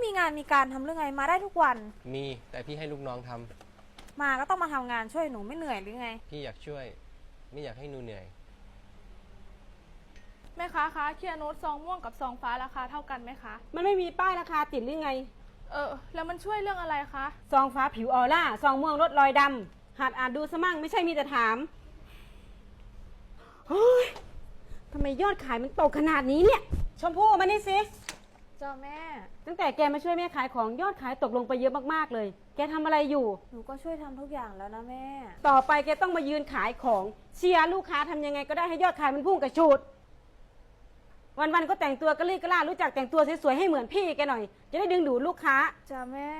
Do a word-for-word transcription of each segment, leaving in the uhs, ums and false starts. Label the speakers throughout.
Speaker 1: มีงานมีการทำเรื่องไงมาได้ทุกวัน
Speaker 2: มีแต่พี่ให้ลูกน้องทำ
Speaker 1: มาก็ต้องมาทำงานช่วยหนูไม่เหนื่อยหรือไง
Speaker 2: พี่อยากช่วยไม่อยากให้หนูเหนื่อย
Speaker 3: แม่ค้าคะเคียร์โน้ตซองม่วงกับซองฟ้าราคาเท่ากันไหมคะ
Speaker 4: มันไม่มีป้ายราคาติดหรือไง
Speaker 3: เออแล้วมันช่วยเรื่องอะไรคะ
Speaker 4: ซองฟ้าผิวออร่าซองม่วงลดรอยดำหัดอ่านดูสมั่งไม่ใช่มีแต่ถามเฮ้ยทำไมยอดขายมันตกขนาดนี้เนี่ยชมพู่มานี่สิ
Speaker 1: เจ้าแม่
Speaker 4: ตั้งแต่แกมาช่วยแม่ขายของยอดขายตกลงไปเยอะมากๆเลยแกทำอะไรอยู่
Speaker 1: หนูก็ช่วยทำทุกอย่างแล้วนะแม่
Speaker 4: ต่อไปแกต้องมายืนขายของเชียร์ลูกค้าทำยังไงก็ได้ให้ยอดขายมันพุ่งกระชูดวันๆก็แต่งตัวกระลี่กระล่ารู้จักแต่งตัวสวยๆให้เหมือนพี่แกหน่อยจะได้ดึงดูดลูกค้า
Speaker 1: จ้าแม่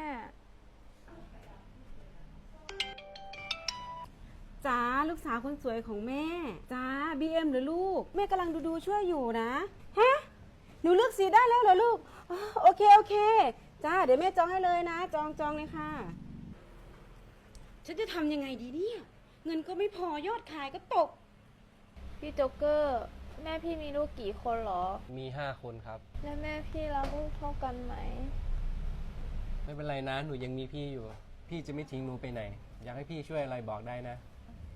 Speaker 4: จ้าลูกสาวคนสวยของแม่จ้าบีเอ็มหรือลูกแม่กำลังดูดูช่วยอยู่นะฮะหนูเลือกสีได้แล้วเหรอลูกโอเคโอเคจ้าเดี๋ยวแม่จองให้เลยนะจองจองเลยค่ะฉันจะทำยังไงดีเนี่ยเงินก็ไม่พอยอดขายก็ตก
Speaker 1: พี่โจ๊กเกอร์แม่พี่มีลูกกี่คนหรอ
Speaker 2: มีห้าคนครับ
Speaker 1: แล้วแม่พี่รักลูกเท่ากันไหม
Speaker 2: ไม่เป็นไรนะหนูยังมีพี่อยู่พี่จะไม่ทิ้งหนูไปไหนอยากให้พี่ช่วยอะไรบอกได้นะ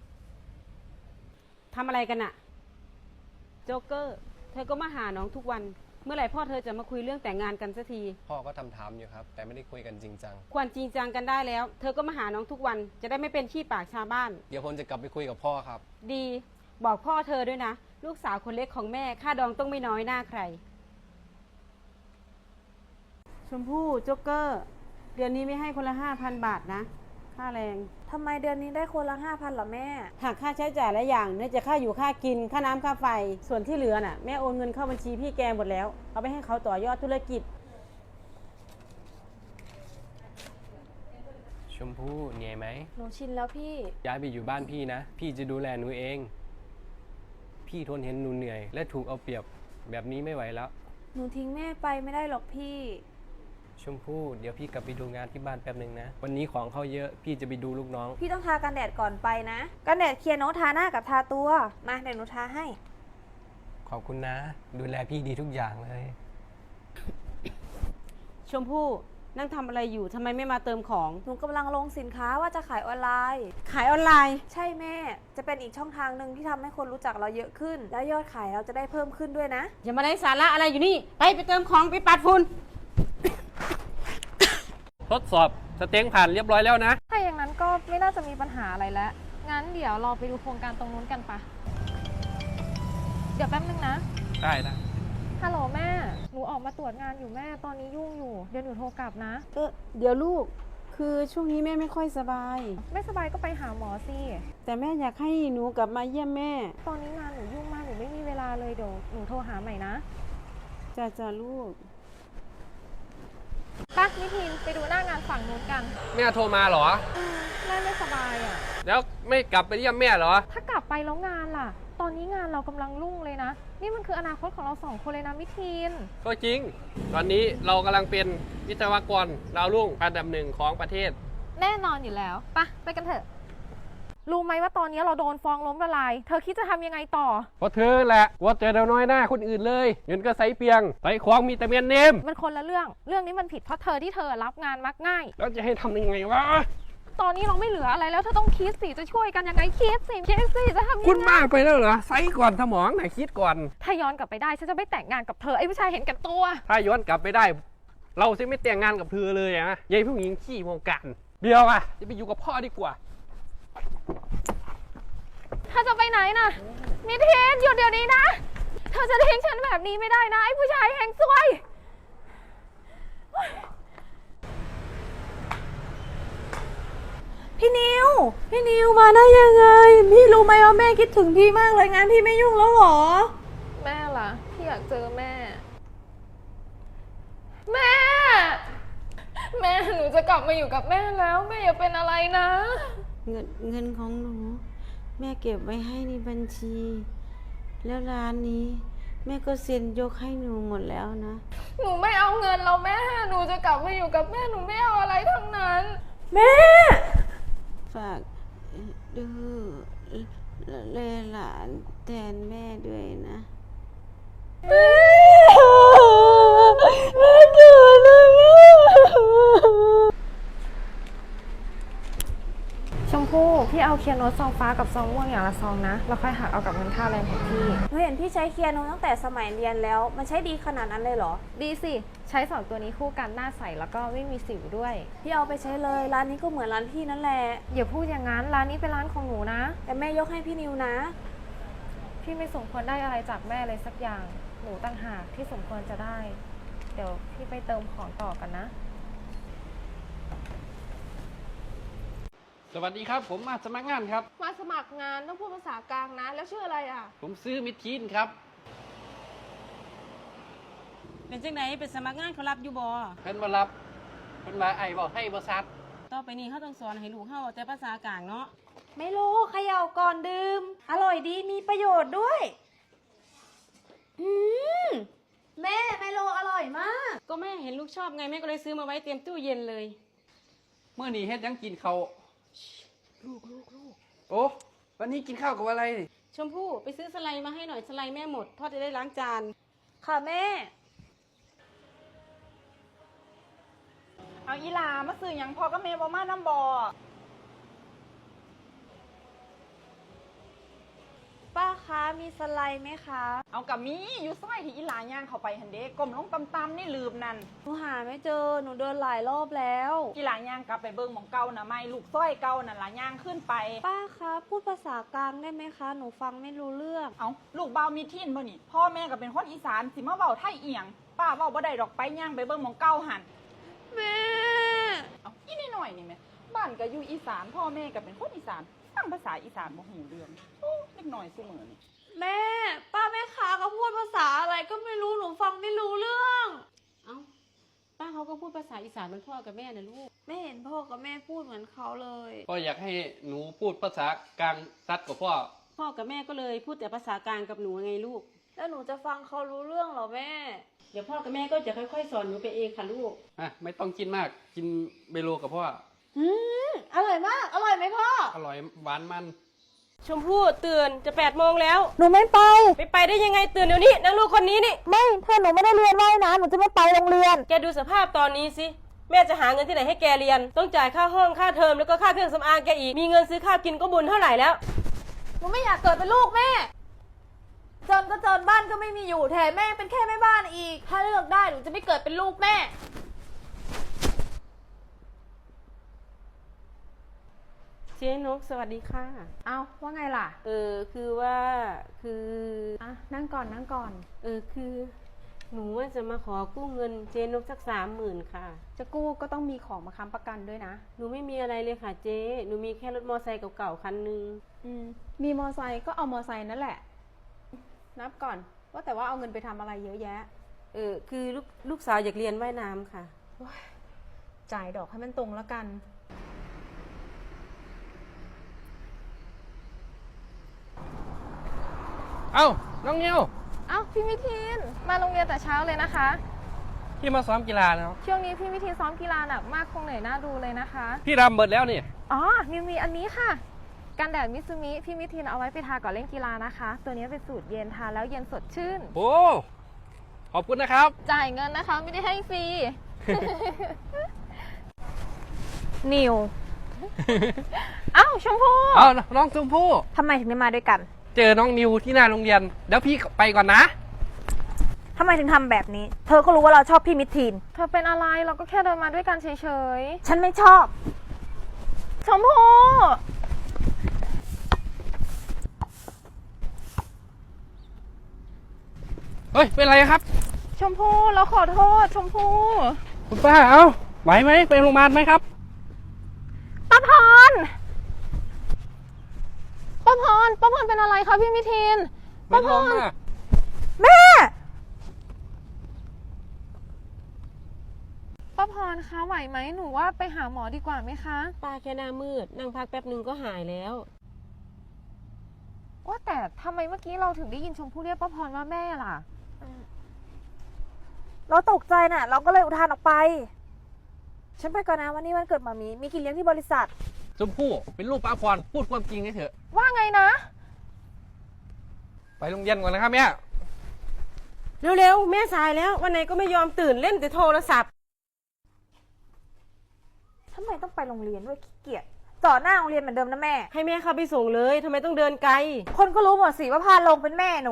Speaker 4: ทำอะไรกันอะโจ๊กเกอร์เธอก็มาหาน้องทุกวันเมื่อไหร่พ่อเธอจะมาคุยเรื่องแต่งงานกันสักที
Speaker 2: พ่อก็ทำถามอยู่ครับแต่ไม่ได้คุยกันจริงจัง
Speaker 4: ควรจริงจังกันได้แล้วเธอก็มาหาน้องทุกวันจะได้ไม่เป็นขี้ปากชาวบ้าน
Speaker 2: เดี๋ยวผมจะกลับไปคุยกับพ่อครับ
Speaker 4: ดีบอกพ่อเธอด้วยนะลูกสาวคนเล็กของแม่ค่าดองต้องไม่น้อยหน้าใครชมพู่โจ๊กเกอร์เดือนนี้ไม่ให้คนละห้าพันบาทนะค่าแรง
Speaker 1: ทำไมเดือนนี้ได้คนละห้าพันหรอแม่
Speaker 4: หากค่าใช้จ่ายหลายอย่างเนี่ยจะค่าอยู่ค่ากินค่าน้ำค่าไฟส่วนที่เหลือน่ะแม่โอนเงินเข้าบัญชีพี่แกหมดแล้วเอาไปให้เขาต่อยอดธุรกิจ
Speaker 2: ชมพู่เหนื่อยไหม
Speaker 1: หนูชินแล้วพี่
Speaker 2: ย้ายไปอยู่บ้านพี่นะพี่จะดูแลหนูเองพี่ทนเห็นหนูเหนื่อยและถูกเอาเปรียบแบบนี้ไม่ไหวแล้ว
Speaker 1: หนูทิ้งแม่ไปไม่ได้หรอกพี่
Speaker 2: ชมพู่เดี๋ยวพี่กลับไปดูงานที่บ้านแป๊บนึงนะวันนี้ของเขาเยอะพี่จะไปดูลูกน้อง
Speaker 1: พี่ต้องทากันแดดก่อนไปนะกันแดดเคียร์โน้ตทาหน้ากับทาตัวมาเดี๋ยวหนูทาให้
Speaker 2: ขอบคุณนะดูแลพี่ดีทุกอย่างเลย
Speaker 4: ชมพู่นั่งทำอะไรอยู่ทำไมไม่มาเติมของ
Speaker 1: หนูกำลังลงสินค้าว่าจะขายออนไลน์
Speaker 4: ขายออนไลน์
Speaker 1: ใช่แม่จะเป็นอีกช่องทางหนึ่งที่ทำให้คนรู้จักเราเยอะขึ้นแล้วยอดขายเราจะได้เพิ่มขึ้นด้วยนะ
Speaker 4: อย่ามาได้สาระอะไรอยู่นี่ไปไปเติมของไปปัดฝุ่น
Speaker 2: ทดสอบสเต็งผ่านเรียบร้อยแล้วนะ
Speaker 3: ถ้าอย่างนั้นก็ไม่น่าจะมีปัญหาอะไรแล้วงั้นเดี๋ยวเราไปดูโครงการตรงนู้นกันปะเดี๋ยวแป๊บนึงนะ
Speaker 2: ได้ได้
Speaker 3: ฮัลโหลแม่หนูออกมาตรวจงานอยู่แม่ตอนนี้ยุ่งอยู่เดี๋ยวหนูโทรกลับนะ
Speaker 4: เออเดี๋ยวลูกคือช่วงนี้แม่ไม่ค่อยสบาย
Speaker 3: ไม่สบายก็ไปหาหมอสิ
Speaker 4: แต่แม่อยากให้หนูกลับมาเยี่ยมแม่
Speaker 3: ตอนนี้งานหนูยุ่งมากหนูไม่มีเวลาเลยเดี๋ยวหนูโทรหาใหม่นะ
Speaker 4: จ้าจ้าลูก
Speaker 3: ป่ะนิทินไปดูหน้างานฝั่งนู้นกัน
Speaker 2: แม่โทรมาเหรอ
Speaker 3: แม่ไม่สบายอ่ะ
Speaker 2: แล้วไม่กลับไปเยี่ยมแม่เหรอ
Speaker 3: ถ้ากลับไปแล้วงานล่ะตอนนี้งานเรากำลังรุ่งเลยนะนี่มันคืออนาคตของเราสองคนเลยนะมิทิน
Speaker 2: ก็จริงตอนนี้เรากำลังเป็นวิศวกรดาวรุ่งอันดับหนึ่งของประเทศ
Speaker 3: แน่นอนอยู่แล้วป่ะไปกันเถอะรู้ไหมว่าตอนนี้เราโดนฟ้องล้มละลายเธอคิดจะทำยังไงต่อ
Speaker 2: เพราะเธอแหละว่าเจอเดาน้อยหน้าคนอื่นเลยเงินก็ใส่เปียงใส่ของมีแต่เมียนเนม
Speaker 3: มันคนละเรื่องเรื่องนี้มันผิดเพราะเธอที่เธอรับงานมักง่าย
Speaker 2: แล้วจะให้ทำยังไงวะ
Speaker 3: ตอนนี้เราไม่เหลืออะไรแล้วเธอต้องคิดสิจะช่วยกันยังไงคิดสิคิดสิจะทำยังไง
Speaker 2: คุณมากไปแล้วเหรอใส่ก่อนสมองไหนคิดก่อน
Speaker 3: ถ้าย้อนกลับไปได้ฉันจะไม่แต่งงานกับเธอไอ้ผู้ชายเห็นแก่ตัว
Speaker 2: ถ้าย้อนกลับไปได้เราจะไม่แต่งงานกับเธอเลยนะยายผู้หญิงขี้วงการเบียวอ่ะจะไปอยู่กับพ่อดีกว่า
Speaker 3: เธอจะไปไหนนะมิทินหยุดเดี๋ยวนี้นะเธอจะทิ้งฉันแบบนี้ไม่ได้นะไอ้ผู้ชายแห่งซวย
Speaker 1: พี่นิวพี่นิวมาได้ยังไงพี่รู้ไหมว่าแม่คิดถึงพี่มากเลยงานพี่ไม่ยุ่งแล้วหรอ
Speaker 3: แม่ล่ะพี่อยากเจอแม่แม่แม่หนูจะกลับมาอยู่กับแม่แล้วแม่อย่าเป็นอะไรนะ
Speaker 4: เงินเงินของหนูแม่เก็บไว้ให้ในบัญชีแล้วร้านนี้แม่ก็เซ็นยกให้หนูหมดแล้วนะ
Speaker 3: หนูไม่เอาเงินเราแม่หนูจะกลับมาอยู่กับแม่หนูไม่เอาอะไรทั้งนั้น
Speaker 1: แม่
Speaker 4: ฝากดูแลหลานแทนแม่ด้วยนะ
Speaker 1: แม่แม่เกิดแล้วแม่
Speaker 3: เอาเคียร์โนตซองฟ้ากับซองม่วงอย่างละซองนะแล้วค่อยหักเอากับเงินค่าแรงของพี่
Speaker 1: หนูเห็นพี่ใช้เคลียร์โนตั้งแต่สมัยเรียนแล้ว มันใช้ดีขนาดนั้นเลยเหรอ
Speaker 3: ดีสิใช้สองตัวนี้คู่กันหน้าใสแล้วก็ไม่มีสิวด้วย
Speaker 1: พี่เอาไปใช้เลยร้านนี้ก็เหมือนร้านพี่นั่นแหละ
Speaker 3: อย่าพูดอย่างนั้นร้านนี้เป็นร้านของหนูนะ
Speaker 1: แต่แม่ยกให้พี่นิวนะ
Speaker 3: พี่ไม่สมควรได้อะไรจากแม่เลยสักอย่างหนูต่างหากที่สมควรจะได้ เดี๋ยวพี่ไปเติมของต่อกันนะ
Speaker 5: สวัสดีครับ ผมมาสมัครงานครับ
Speaker 6: มาสมัครงานต้องพูดภาษากลางนะ แล้วชื่ออะไรอ่ะ
Speaker 5: ผมซื้อมิดทีนครับ
Speaker 4: เป็นจังไหนเป็นสมัครงานเขารับอยู่บ่
Speaker 5: เพิ่นมารับเพิ่นมาไอ้บอกให้บริษัท
Speaker 4: ต่อไปนี้เขาต้องสอนให้ลูกเขาแต่ภาษากลางเนาะ
Speaker 1: ไม่รู้เขย่าก่อนดื่ม อร่อยดีมีประโยชน์ด้วย อืมแม่ไมโลอร่อยมาก
Speaker 4: ก็แม่เห็นลูกชอบไงแม่ก็เลยซื้อมาไว้เตรียมตู้เย็นเลย
Speaker 5: เมื่อนี้เฮ็ดหยังกินเขาวลูกลูกลูกโอ้วันนี้กินข้าวกับอะไรนี่
Speaker 4: ชมพู่ไปซื้อสไลด์มาให้หน่อยสไลด์แม่หมดพ่อจะได้ล้างจาน
Speaker 1: ค่ะแม่
Speaker 6: เอาอีหลามาซื้อหยังพอก็เมย์บอมาน้ำบอ
Speaker 1: ป้าคะมีสไลด์ไหมคะ
Speaker 6: เอากับมีอยู่ซอยที่อีหลาย่างเข้าไปหันเด้กลมลงตำๆนี่ลืมนั่น
Speaker 1: หนูหาไม่เจอหนูเดินหลายรอบแล้ว
Speaker 6: อีหลาย่างกลับไปเบิ่งหมองเก่านะไม่ลูกซอยเก่านั่นล่ะย่างขึ้นไป
Speaker 1: ป้าคะพูดภาษากลางได้ไหมคะ หนูฟังไม่รู้เรื่อง
Speaker 6: เอาลูกเบามีทินบ่นี่พ่อแม่ก็เป็นคนอีสานสิมาเว้าไทยเอียงป้าเว้าบ่ได้ดอกไปย่างไปเบิ่งหมองเก่าหัน
Speaker 1: แม่
Speaker 6: เอาอีนี่หน่อยนี่แม่บ้านก็อยู่อีสานพ่อแม่ก็เป็นคนอีสานฟังภาษาอีสานบ่หูเรื่องโอ้เล็กน้อยซุมื้อนี่
Speaker 1: แม่ ป้าแม่ค้าก็พูดภาษาอะไรก็ไม่รู้หนูฟังไม่รู้เรื่อง
Speaker 4: เอ้าป้าเขาก็พูดภาษาอีสานเหมือนพ่อกับแม่นะลูก
Speaker 1: ไม่เห็นพ่อกับแม่พูดเหมือนเขาเลย
Speaker 5: พ่ออยากให้หนูพูดภาษากลางซัดกับพ่อ
Speaker 4: พ่อกับแม่ก็เลยพูดแต่ภาษากลางกับหนูไงลูก
Speaker 1: แล้วหนูจะฟังเขารู้เรื่องเหรอแม่
Speaker 4: เดี๋ยวพ่อกับแม่ก็จะค่อยๆสอนหนูไปเองค่ะลูก
Speaker 5: อ่ะไม่ต้องกินมากกินเบโลกับพ่อ
Speaker 1: อืมอร่อยมาก อร่อยไหมพ่อ
Speaker 5: อร่อยหวานมัน
Speaker 7: ชมพู่ตื่นจะแปดโมงแล้ว
Speaker 1: หนูไม่ไป
Speaker 7: ไปไปได้ยังไงตื่นเดี๋ยวนี้นางลูกคนนี้นี่
Speaker 1: ไม่ถ้าหนูไม่ได้เรียนว่ายน้ำหนูจะไม่ไปโรงเรียน
Speaker 7: แกดูสภาพตอนนี้สิแม่จะหาเงินที่ไหนให้แกเรียน ต้องจ่ายค่าห้องค่าเทอมแล้วก็ค่าเครื่องสำอางแกอีกมีเงินซื้อข้าวกินก็บุญเท่าไหร่แล้ว
Speaker 1: หนูไม่อยากเกิดเป็นลูกแม่ จนก็จนบ้านก็ไม่มีอยู่แถมแม่เป็นแค่แม่บ้านอีก ถ้าเลือกได้หนูจะไม่เกิดเป็นลูกแม่
Speaker 7: เจ๊นกสวัสดีค่ะ
Speaker 3: เอาว่าไงล่ะ
Speaker 7: เออคือว่าคือ
Speaker 3: อ่ะนั่งก่อนนั่งก่อน
Speaker 7: เออคือหนูว่าจะมาขอกู้เงินเจ๊นกสักสามหมื่นค่ะ
Speaker 3: จะกู้ก็ต้องมีของมาค้ำประกันด้วยนะ
Speaker 7: หนูไม่มีอะไรเลยค่ะเจ๊หนูมีแค่รถมอไซค์เก่าๆคันหนึง
Speaker 3: อืมมีมอไซค์ก็เอามอไซค์นั่นแหละ นับก่อน ว่าแต่ว่าเอาเงินไปทำอะไรเยอะแยะ
Speaker 7: เออคือลูกลูกสาวอยากเรียนว่ายน้ำค่ะ
Speaker 3: จ่ายดอกให้มันตรงแล้วกัน
Speaker 2: เอ้าน้องนิว
Speaker 3: เอ้าพี่มิทิน มาโรงเรียนแต่เช้าเลยนะคะ
Speaker 2: พี่มาซ้อมกีฬาแล้ว
Speaker 3: ช่วงนี้พี่มิทินซ้อมกีฬาหนักมากคงเหนื่อยหน้าดูเลยนะคะ
Speaker 2: พี่รำเบิดแล้วนี่
Speaker 3: อ๋อนิวมีอันนี้ค่ะ กันแดดมิซูมิพี่มิทินเอาไว้ไปทาก่อนเล่นกีฬานะคะ ตัวนี้เป็นสูตรเย็นทาแล้วเย็นสดชื่น
Speaker 2: โอ้ขอบคุณนะครับ
Speaker 3: จ่ายเงินนะคะ ไม่ได้ให้ฟรี นิว เอ้าชมพู่
Speaker 2: เอาน้องชมพู่
Speaker 3: ทำไมถึงได้มาด้วยกัน
Speaker 2: เจอน้องนิวที่หน้าโรงเรียนเดี๋ยวพี่ไปก่อนนะ
Speaker 1: ทำไมถึงทำแบบนี้ เธอก็รู้ว่าเราชอบพี่มิทีน
Speaker 3: เธอเป็นอะไรเราก็แค่เดินมาด้วยกันเฉย
Speaker 1: ฉันไม่ชอบ
Speaker 3: ๆ ชมพู่
Speaker 2: เฮ้ยเป็นไรครับ
Speaker 3: ชมพู่เราขอโทษชมพู่
Speaker 2: คุณป้าเอาไหวไหมไปโรงพยาบาลไหมครับ
Speaker 3: ป้าพรป้าพรป้าพรเป็นอะไรคะพี่มิทิน
Speaker 2: ไม่ท้องนะ
Speaker 1: แม่
Speaker 3: ป้าพรคะไหวไหมหนูว่าไปหาหมอดีกว่าไหมคะ
Speaker 7: ป้าแค่หน้ามืดนั่งพักแป๊บหนึ่งก็หายแล้ว
Speaker 3: ว่าแต่ทำไมเมื่อกี้เราถึงได้ยินชมพู่เรียกป้าพรว่าแม่ล่ะ
Speaker 1: เราตกใจน่ะ เราก็เลยอุทานออกไป ฉันไปก่อนนะวันนี้วันเกิดหมามี มีกินเลี้ยงที่บริษัท
Speaker 2: ชมพู่เป็นลูกป้าพรพูดความจริงให้เถอะ
Speaker 3: ว่าไงนะ
Speaker 2: ไปโรงเรียนก่อนนะครับแม่
Speaker 7: เร็วๆแม่สายแล้ววันไหนก็ไม่ยอมตื่นเล่นแต่โทรศัพท์
Speaker 1: ทำไมต้องไปโรงเรียนด้วยขี้เกียจจอดหน้าโรงเรียนเหมือนเดิมนะแม่
Speaker 7: ให้แม่เข้าไปส่งเลยทำไมต้องเดินไกล
Speaker 1: คนก็รู้หมดสิว่าพาลงเป็นแม่หนู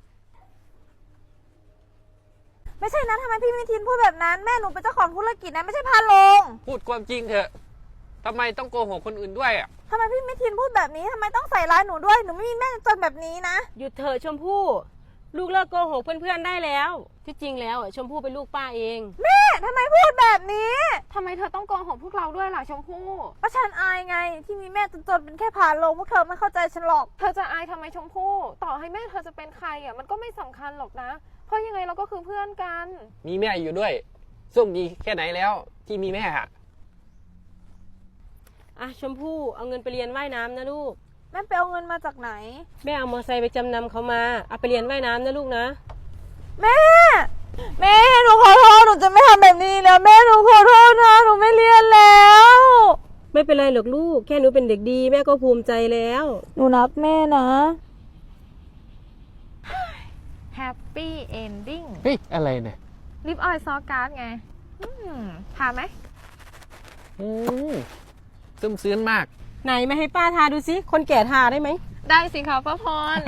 Speaker 1: ไม่ใช่นะทำไมพี่มิทินพูดแบบนั้นแม่หนูเป็นเจ้าของธุรกิจนะไม่ใช่พาลง
Speaker 5: พูดความจริงเถอะทำไมต้องโกหกคนอื่นด้วยอ่ะ
Speaker 1: ทำไมพี่มิทินพูดแบบนี้ทำไมต้องใส่ร้ายหนูด้วยหนูไม่มีแม่จนแบบนี้นะ
Speaker 7: หยุดเถอะชมพู่ลูกเลิกโกหกเพื่อนๆได้แล้ว ที่จริงแล้วอ่ะชมพู่เป็นลูกป้าเอง
Speaker 1: แม่ทำไมพูดแบบนี้
Speaker 3: ทำไมเธอต้องโกหกพวกเราด้วยล่ะชมพู่
Speaker 1: ก็ฉันอายไง ที่มีแม่จนๆเป็นแค่พาลงพวกเธอไม่เข้าใจฉันหรอก
Speaker 3: เธอจะอายทำไมชมพู่ต่อให้แม่เธอจะเป็นใครอ่ะมันก็ไม่สำคัญหรอกนะ เพราะยังไงเราก็คือเพื่อนกัน
Speaker 5: มีแม่อยู่ด้วยโชคดีแค่ไหนแล้วที่มีแม่อะ
Speaker 7: อ่ะชมพู่เอาเงินไปเรียนว่ายน้ำนะลูก
Speaker 1: แม่ไปเอาเงินมาจากไหน
Speaker 7: แม่เอามอเตอร์ไซค์ไปจำนำเขามาเอาไปเรียนว่ายน้ำนะลูกนะ
Speaker 1: แม่ แม่หนูขอโทษหนูจะไม่ทำแบบนี้แล้วแม่หนูขอโทษนะหนูไม่เรียนแล้ว
Speaker 7: ไม่เป็นไรหรอกลูกแค่หนูเป็นเด็กดีแม่ก็ภูมิใจแล้ว
Speaker 1: หนูนับแม่นะ
Speaker 3: Happy Ending
Speaker 5: เฮ้ยอะไรเนี่ย
Speaker 3: ลิปออยล์ซอการ์ดไง อืมทาไหม
Speaker 5: อืมซึมซื้นมาก
Speaker 7: ไหนมาให้ป้าทาดูสิคนแก่ทาได้ไหม
Speaker 3: ได้สิคะป้าพร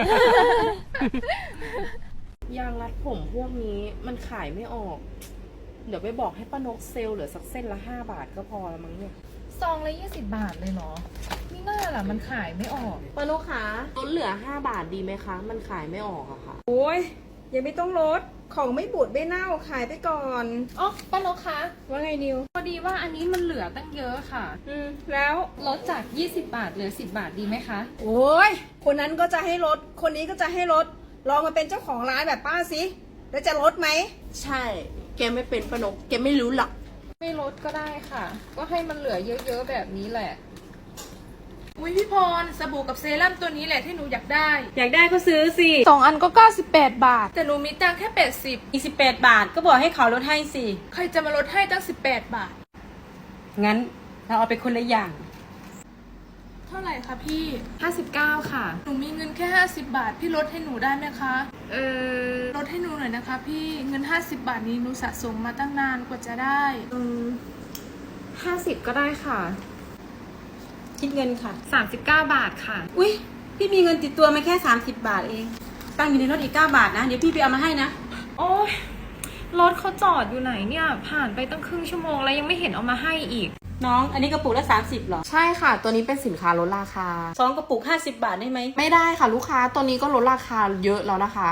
Speaker 8: ยางรัดผมพวกนี้มันขายไม่ออก เดี๋ยวไปบอกให้ป้านกเซลล์เหลือสักเส้นละห้าบาทก็พอแล้วมั้งเนี่ย
Speaker 3: ซองละยี่สิบบาทเลยเหรอนี่น่าล่ะมันขายไม่ออก
Speaker 8: ป้านกคะลดเหลือห้าบาทดีไหมคะ มันขายไม่ออกอะค่ะ
Speaker 4: โอ้ยยังไม่ต้องลดของไม่บูดไม่เน่าขายไปก่อน
Speaker 3: อ๋อป้านกคะ
Speaker 4: ว่าไงนิว
Speaker 3: พอดีว่าอันนี้มันเหลือตั้งเยอะค่ะ
Speaker 4: อืมแล้ว
Speaker 3: ลดจากยี่สิบบาทเหลือสิบบาทดีไหมคะ
Speaker 4: โอ้ยคนนั้นก็จะให้ลดคนนี้ก็จะให้ลดลองมาเป็นเจ้าของร้านแบบป้าสิแล้วจะลดไหม
Speaker 8: ใช่ แกไม่เป็นป้านก แกไม่รู้หรอก
Speaker 3: ไม่ลดก็ได้ค่ะ ก็ให้มันเหลือเยอะๆแบบนี้แหละ
Speaker 9: อุ้ยพี่พรสบู่กับเซรั่มตัวนี้แหละที่หนูอยากได้
Speaker 7: อยากได้ก็ซื้อสิ
Speaker 9: สองอันก็เก้าสิบแปดบาท แต่หนูมีตังค์แค่แปดสิบ
Speaker 7: อีกสิบแปดบาทก็บอกให้เขาลดให้สิ
Speaker 9: ใครจะมาลดให้ตั้งสิบแปดบาท
Speaker 7: งั้นเราเอาไปคนละอย่าง
Speaker 9: เท่าไหร่คะพี่
Speaker 3: ห้าสิบเก้าค่ะ
Speaker 9: หนูมีเงินแค่ห้าสิบบาท พี่ลดให้หนูได้ไหมคะ
Speaker 3: เออ
Speaker 9: ลดให้หนูหน่อยนะคะ พี่เงินห้าสิบบาทนี้หนูสะสมมาตั้งนานกว่าจะได้
Speaker 3: อืมห้าสิบก็ได้ค่ะ
Speaker 4: คิดเงินค่ะ
Speaker 3: สามสิบเก้าบาทค่ะ
Speaker 4: อุ้ยพี่มีเงินติดตัวมาแค่สามสิบบาทเองตั้งอยู่ในรถอีกเก้าบาทนะเดี๋ยวพี่ไปเอามาให้นะ
Speaker 3: โอ้ยรถเขาจอดอยู่ไหนเนี่ย ผ่านไปตั้งครึ่งชั่วโมงแล้วยังไม่เห็นเอามาให้อีก
Speaker 4: น้องอันนี้กระปุกละสามสิบหรอ
Speaker 8: ใช่ค่ะ ตัวนี้เป็นสินค้าลดราคา
Speaker 4: สองกระปุกห้าสิบบาทได้ไหม
Speaker 8: ไม่ได้ค่ะลูกค้า ตัวนี้ก็ลดราคาเยอะแล้วนะคะ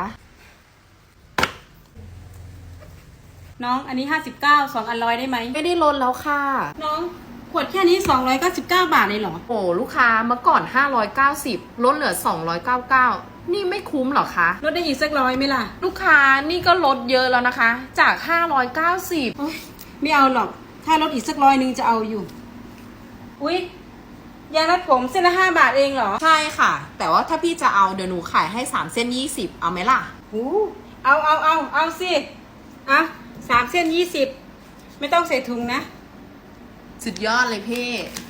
Speaker 4: น้องอันนี้ห้าสิบเก้าสองอันร้อยได้ไหม
Speaker 8: ไม่ได้ลดแล้วค่ะ
Speaker 4: น้องขวดแค่นี้สองร้อยเก้าสิบเก้าบาทเลยเหรอ
Speaker 8: โอ้ลูกค้าเมื่อก่อนห้าร้อยเก้าสิบลดเหลือสองร้อยเก้าสิบเก้านี่ไม่คุ้มเหรอคะ
Speaker 4: ลดได้อีกสักร้อยไหมล่ะ
Speaker 8: ลูกค้านี่ก็ลดเยอะแล้วนะคะ จากห้าร้อยเก้าสิบ
Speaker 4: โอ๊ยไม่เอาหรอก ถ้าลดอีกสักร้อยหนึ่งจะเอาอยู่ อุ๊ยยางรัดผมเส้นละห้าบาทเองเหรอ
Speaker 8: ใช่ค่ะ แต่ว่าถ้าพี่จะเอาเดี๋ยวหนูขายให้สามเส้นยี่สิบเอาไหมล่ะ
Speaker 4: หูเอาเอาเอาเอาสิเอาสามเส้นยี่สิบไม่ต้องใส่ถุงนะ
Speaker 8: สุดยอดเลยพี่